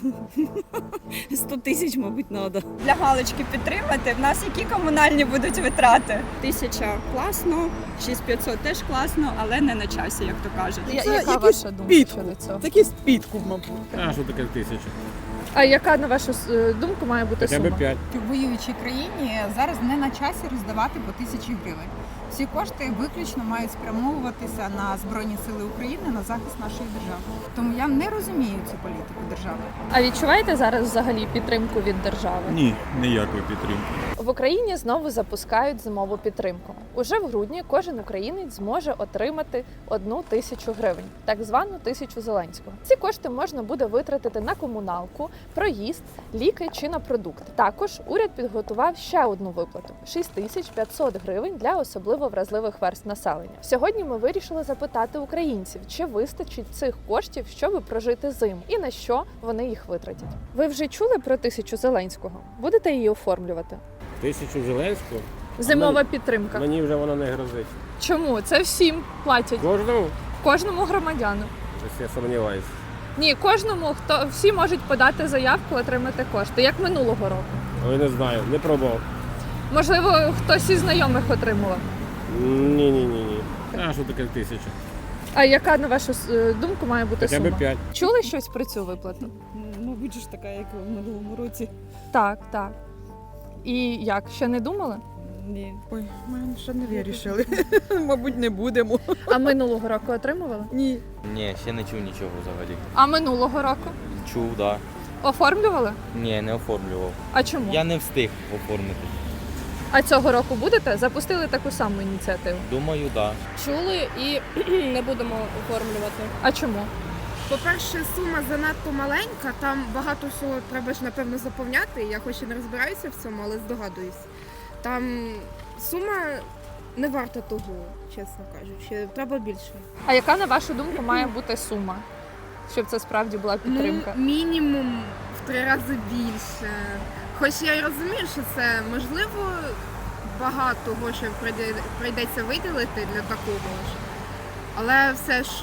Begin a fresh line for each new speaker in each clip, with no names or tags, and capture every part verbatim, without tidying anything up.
сто тисяч, мабуть, треба.
Для галочки підтримати. В нас які комунальні будуть витрати?
Тисяча класно, шість п'ятсот теж класно, але не на часі, як то кажуть.
Я-
Це
яка
якийсь
ваша думка
підкуп.
щодо цього?
Такий підкуп, мабуть.
А що таке тисяча?
А яка, на вашу е, думку, має бути
Хоча
сума?
б п'ять.
В воюючій країні зараз не на часі роздавати по тисячі гривень. Всі кошти виключно мають спрямовуватися на Збройні Сили України, на захист нашої держави. Тому я не розумію цю політику держави.
А відчуваєте зараз взагалі підтримку від держави?
Ні, ніякої підтримки.
В Україні знову запускають зимову підтримку. Уже в грудні кожен українець зможе отримати одну тисячу гривень, так звану тисячу Зеленського. Ці кошти можна буде витратити на комуналку, проїзд, ліки чи на продукти. Також уряд підготував ще одну виплату – шість тисяч п'ятсот гривень для особливо вразливих верств населення. Сьогодні ми вирішили запитати українців, чи вистачить цих коштів, щоб прожити зиму, і на що вони їх витратять. Ви вже чули про тисячу Зеленського? Будете її оформлювати?
Тисячу Зеленського?
Зимова
мені-
підтримка.
Мені вже вона не грозить.
Чому? Це всім платять.
Кожному?
Кожному громадяну.
Ось я сумніваюся.
Ні, кожному, хто всі можуть подати заявку, отримати кошти, як минулого року.
Але не знаю, не пробував.
Можливо, хтось із знайомих отримував.
Ні, ні, ні, ні. А що таке тисяча?
А яка, на вашу е, думку, має бути
Хоча
сума?
б п'ять.
Чули щось про цю виплату?
Мабуть, ж така, як у минулому році.
Так, так. І як? Ще не думали?
Ні.
Ой, ми ще не вирішили. Мабуть, не будемо.
А минулого року отримували?
Ні.
Ні, ще не чув нічого взагалі.
А минулого року?
Чув, да.
Оформлювали?
Ні, не оформлював.
А чому?
Я не встиг оформити.
А цього року будете? Запустили таку саму ініціативу.
Думаю, да.
Чули і не будемо оформлювати.
А чому?
По-перше, сума занадто маленька, там багато всього треба ж, напевно, заповняти. Я хоч і не розбираюся в цьому, але здогадуюсь. Там сума не варта того, чесно кажучи. Треба більше.
А яка, на вашу думку, має бути сума, щоб це справді була підтримка?
Ну, мінімум в три рази більше. Хоч я й розумію, що це можливо багато грошей прийде- прийдеться виділити для такого ж. Але все ж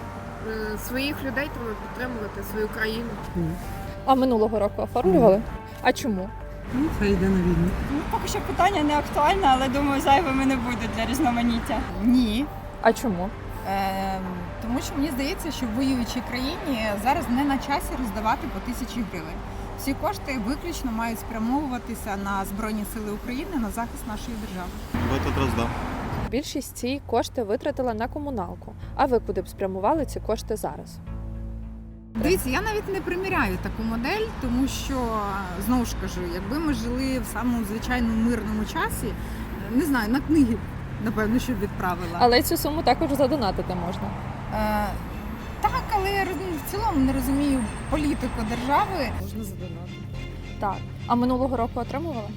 е, своїх людей треба підтримувати, свою країну.
А минулого року оформлювали? А чому?
Ну, хай йде на війну.
Ну, поки що питання не актуальне, але думаю, зайвими не буде для різноманіття.
Ні.
А чому?
Е, тому що мені здається, що в воюючій країні зараз не на часі роздавати по тисячі гривень. Всі кошти виключно мають спрямовуватися на Збройні Сили України, на захист нашої держави.
В этот раз да.
Більшість ці кошти витратила на комуналку. А ви куди б спрямували ці кошти зараз?
Дивіться, я навіть не приміряю таку модель, тому що, знову ж кажу, якби ми жили в самому звичайному мирному часі, не знаю, на книги, напевно, що б відправила.
Але цю суму також задонатити можна.
Е, так, але я роз- в цілому не розумію політику держави.
Можна задонатити.
Так. А минулого року отримували?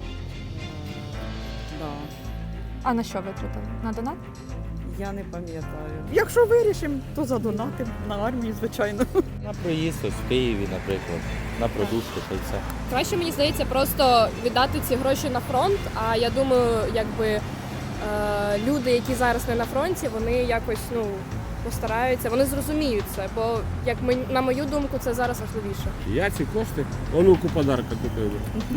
Да.
А на що витратили? На донат?
Я не пам'ятаю.
Якщо вирішимо, то задонатимо на армію, звичайно.
На проїзд ось в Києві, наприклад, на продукти та й все.
Краще, мені здається, просто віддати ці гроші на фронт, а я думаю, якби е, люди, які зараз не на фронті, вони якось ну, постараються, вони зрозуміють це, бо як ми, на мою думку, це зараз важливіше.
Я ці кошти онуку подарка купив.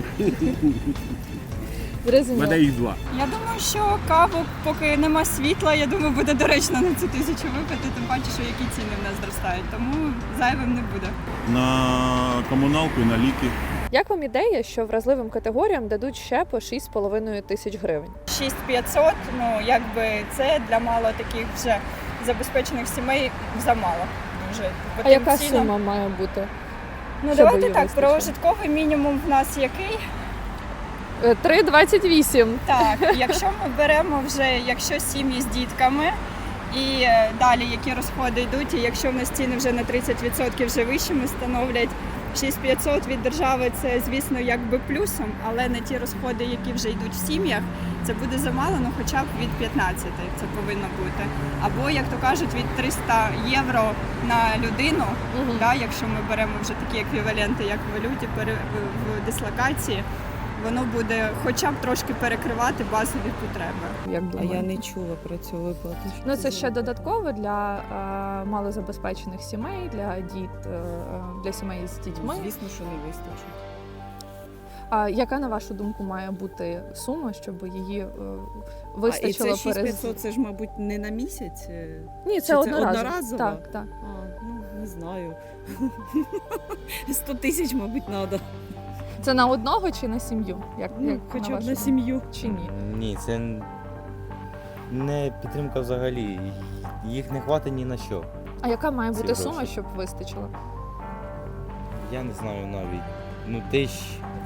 У
Зрозуміло.
мене їх два.
Я думаю, що каву, поки нема світла, я думаю, буде доречно на цю тисячу випити, тим паче, що які ціни в нас зростають, тому зайвим не буде.
На комуналку і на ліки.
Як вам ідея, що вразливим категоріям дадуть ще по шість з половиною тисяч гривень?
шість п'ятсот, ну якби це для мало таких вже забезпечених сімей замало. Дуже
А яка
потенційно.
сума має бути?
Ну
щоб
давайте
її
так,
вистачило?
прожитковий мінімум в нас який?
Е, три двадцять вісім.
Так, якщо ми беремо вже, якщо сім'ї з дітками і е, далі які розходи йдуть, і якщо в нас ціни вже на тридцять відсотків вже вищими становлять, шість п'ятсот від держави це, звісно, якби плюсом, але на ті розходи, які вже йдуть в сім'ях, це буде замало, ну хоча б від п'ятнадцяти це повинно бути. Або, як то кажуть, від триста євро на людину,
Угу.
да, якщо ми беремо вже такі еквіваленти, як в валюті, пере- в- в дислокації, воно буде хоча б трошки перекривати базові потреби.
Як
А
думаєте?
я не чула про цю виплату. Що
Ну, це
за
ще
виплата?
додатково для е, малозабезпечених сімей, для діт, е, для сімей з дітьми.
Звісно, що не вистачить.
А яка, на вашу думку, має бути сума, щоб її е,
А, і
вистачило
це шість
перез...
п'ятсот, це ж, мабуть, не на місяць? е?
Ні,
Чи
це
це
одноразово.
одноразово?
Так, так.
А, ну, не знаю. сто тисяч, мабуть, треба.
Це на одного чи на сім'ю? Як,
Ну,
як
хоча б
вашу
на
думку?
сім'ю.
Чи ні?
Ні, це не підтримка взагалі. Їх не хватить ні на що.
А яка має
Ці
бути
гроші.
сума, щоб вистачило?
Я не знаю навіть. Ну, тисяч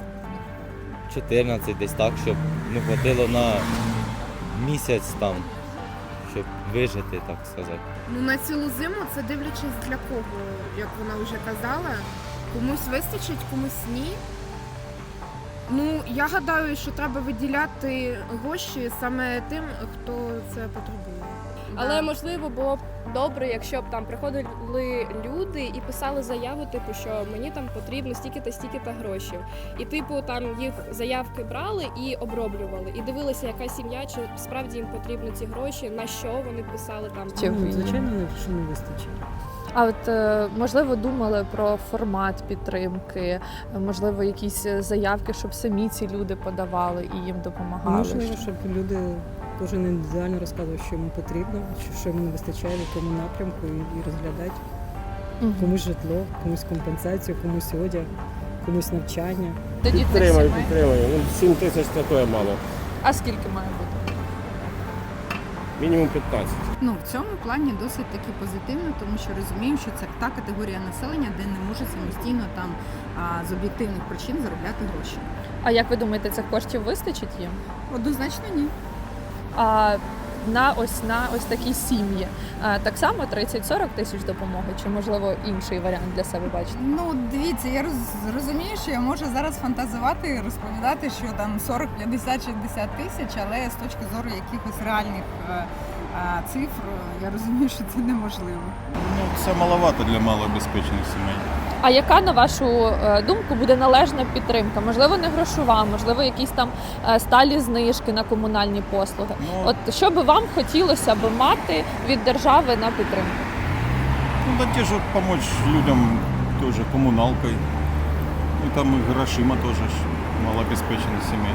чотирнадцять десь так, щоб не хватило на місяць там, щоб вижити, так сказати.
Ну на цілу зиму це дивлячись для кого, як вона вже казала. Комусь вистачить, комусь ні. Ну, я гадаю, що треба виділяти гроші саме тим, хто це потребує.
Але
Да.
можливо було б добре, якщо б там приходили люди і писали заяву, типу, що мені там потрібно стільки-то, стільки-то грошей. І типу там їх заявки брали і оброблювали. І дивилися, яка сім'я, чи справді їм потрібні ці гроші, на що вони писали там.
Чи
Ну,
ви-
звичайно, не- що не вистачить.
А от е, можливо думали про формат підтримки, е, можливо, якісь заявки, щоб самі ці люди подавали і їм допомагали.
Можливо, щоб люди кожен індивідуально розказував, що йому потрібно, що- що йому не вистачає, в якому напрямку, і, і розглядати
Мгм.
комусь житло, комусь компенсацію, комусь одяг, комусь навчання.
До дітних
Підтримаю,
сімей.
підтримаю. Ну, сім тисяч це то мало.
А скільки має бути?
Мінімум п'ятнадцять.
Ну, в цьому плані досить таки позитивно, тому що розуміємо, що це та категорія населення, де не може самостійно там а, з об'єктивних причин заробляти гроші.
А як ви думаєте, цих коштів вистачить їм?
Однозначно ні.
А на ось на ось такі сім'ї а, так само тридцять-сорок тисяч допомоги, чи можливо інший варіант для себе бачите?
Ну, дивіться, я роз, розумію, що я можу зараз фантазувати і розповідати, що там сорок, п'ятдесят, шістдесят тисяч, але з точки зору якихось реальних е, е, цифр, я розумію, що це неможливо.
Ну, це маловато для малообезпечених сімей.
А яка, на вашу е, думку, буде належна підтримка? Можливо, не грошова, можливо, якісь там е, сталі знижки на комунальні послуги.
Ну,
От що би вам хотілося б мати від держави на підтримку?
ну да те же помочь людям тоже коммуналкой. Ну, там и грошима тоже ж малообеспеченных семей.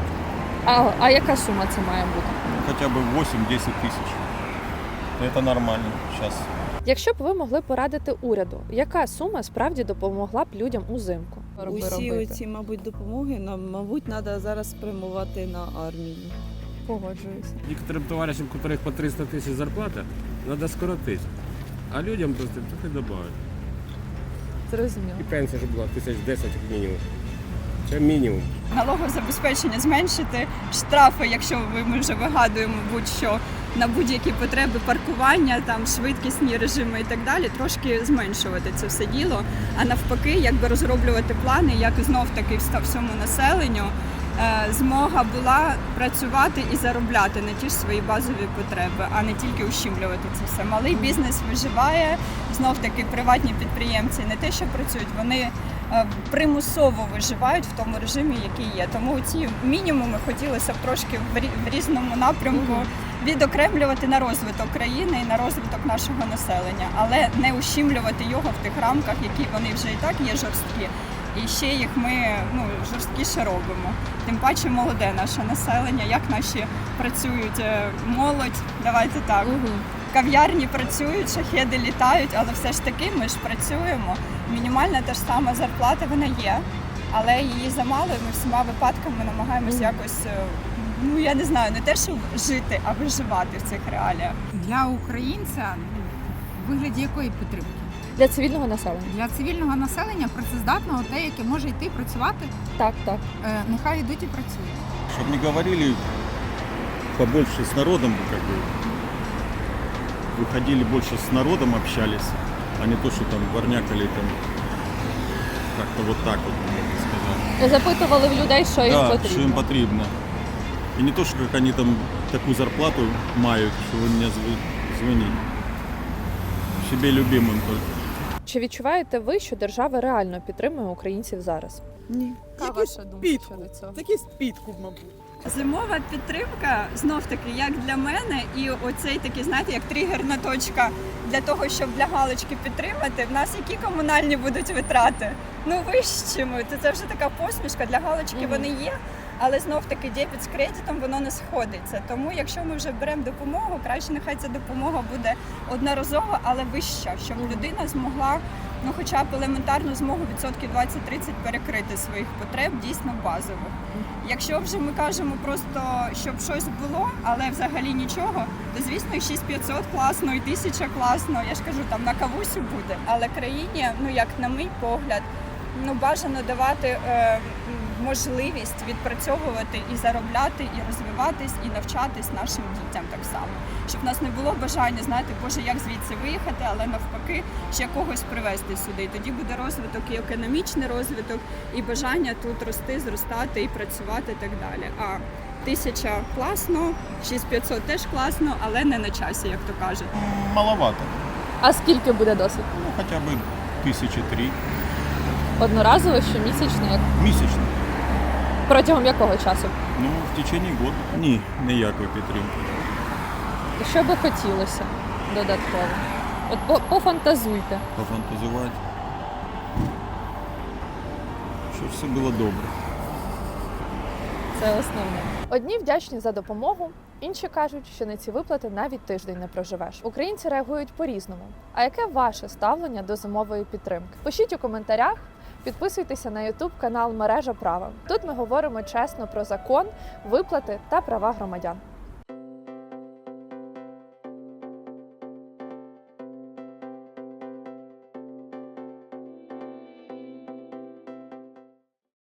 А, а яка сума це має бути?
Ну, хотя бы восемь-десять тысяч. Это нормально сейчас.
Якщо б ви могли порадити уряду, яка сума справді допомогла б людям узимку?
Усі
робити?
ці, мабуть, допомоги нам, мабуть, треба зараз спрямувати на армію.
Погоджуюся.
Некоторым товарищам, у которых по триста тисяч зарплата, надо скоротить. А людям просто трохи добавити.
Зрозуміло.
І пенсія ж була тисяч десять як мінімум. Це мінімум.
Налогозабезпечення зменшити, штрафи, якщо ви, ми вже вигадуємо будь-що на будь-які потреби паркування, там швидкісні режими і так далі, трошки зменшувати це все діло. А навпаки, якби розроблювати плани, як знов таки всьому населенню е, змога була працювати і заробляти на ті ж свої базові потреби, а не тільки ущемлювати це все. Малий бізнес виживає, знов таки приватні підприємці не те, що працюють, вони е, примусово виживають в тому режимі, який є. Тому ці мінімуми хотілося б трошки в рі- в різному напрямку відокремлювати на розвиток країни і на розвиток нашого населення, але не ущемлювати його в тих рамках, які вони вже і так є жорсткі. І ще їх ми ну, жорсткіше робимо. Тим паче молоде наше населення, як наші працюють е, молодь, давайте так. Кав'ярні працюють, шахеди літають, але все ж таки ми ж працюємо. Мінімальна та ж сама зарплата вона є, але її замало, і ми всіма випадками намагаємось якось, е, ну я не знаю, не те, що жити, а виживати в цих реаліях.
Для українця в вигляді якої підтримки?
Для цивільного населення.
Для цивільного населення працездатного, те, яке може йти працювати,
Так, так.
е, нехай йдуть і працюють.
Чтобы не говорили побольше с народом, как бы выходили больше с народом, общались, а не то, что там горнякали там как-то вот так вот, можно сказать.
Запитували в людей, що їм
Да,
потрібно.
что им потребно. И не то, что как они там такую зарплату мают, что вы меня зв- звоните. Себе любимым только.
Чи відчуваєте ви, що держава реально підтримує українців зараз?
Ні.
Яка ваша думка щодо цього?
Такий підкуп, мабуть.
Зимова підтримка, знов таки, як для мене, і оцей такий, знаєте, як тригерна точка для того, щоб для галочки підтримати. В нас які комунальні будуть витрати? Ну вищими. То це вже така посмішка. Для галочки
Мгм.
вони є, але знов таки дебіт з кредитом воно не сходиться. Тому якщо ми вже беремо допомогу, краще нехай ця допомога буде одноразова, але вища, щоб людина змогла, ну хоча б елементарну змогу відсотків двадцять-тридцять перекрити своїх потреб дійсно базових. Якщо вже ми кажемо просто, щоб щось було, але взагалі нічого, то звісно і шість тисяч п'ятсот класно, і тисяча класно. Я ж кажу, там на кавусю буде. Але країні, ну як на мій погляд, ну бажано давати е, можливість відпрацьовувати і заробляти, і розвиватись, і навчатись нашим дітям так само. Щоб в нас не було бажання, знаєте, боже, як звідси виїхати, але навпаки ще когось привезти сюди. І тоді буде розвиток і економічний розвиток, і бажання тут рости, зростати і працювати і так далі. А тисяча класно, шість тисяч п'ятсот теж класно, але не на часі, як то кажуть.
Маловато.
А скільки буде досить?
Ну, хоча б тисячі три.
Одноразово, щомісячно, як
Місячно.
протягом якого часу?
Ну, в течение года. Ні, ніякої підтримки.
Що би хотілося додатково? От по- пофантазуйте.
Пофантазувати. Щоб все було добре.
Це основне. Одні вдячні за допомогу, інші кажуть, що на ці виплати навіть тиждень не проживеш. Українці реагують по-різному. А яке ваше ставлення до зимової підтримки? Пишіть у коментарях, підписуйтеся на ютуб канал Мережа Права. Тут ми говоримо чесно про закон, виплати та права громадян.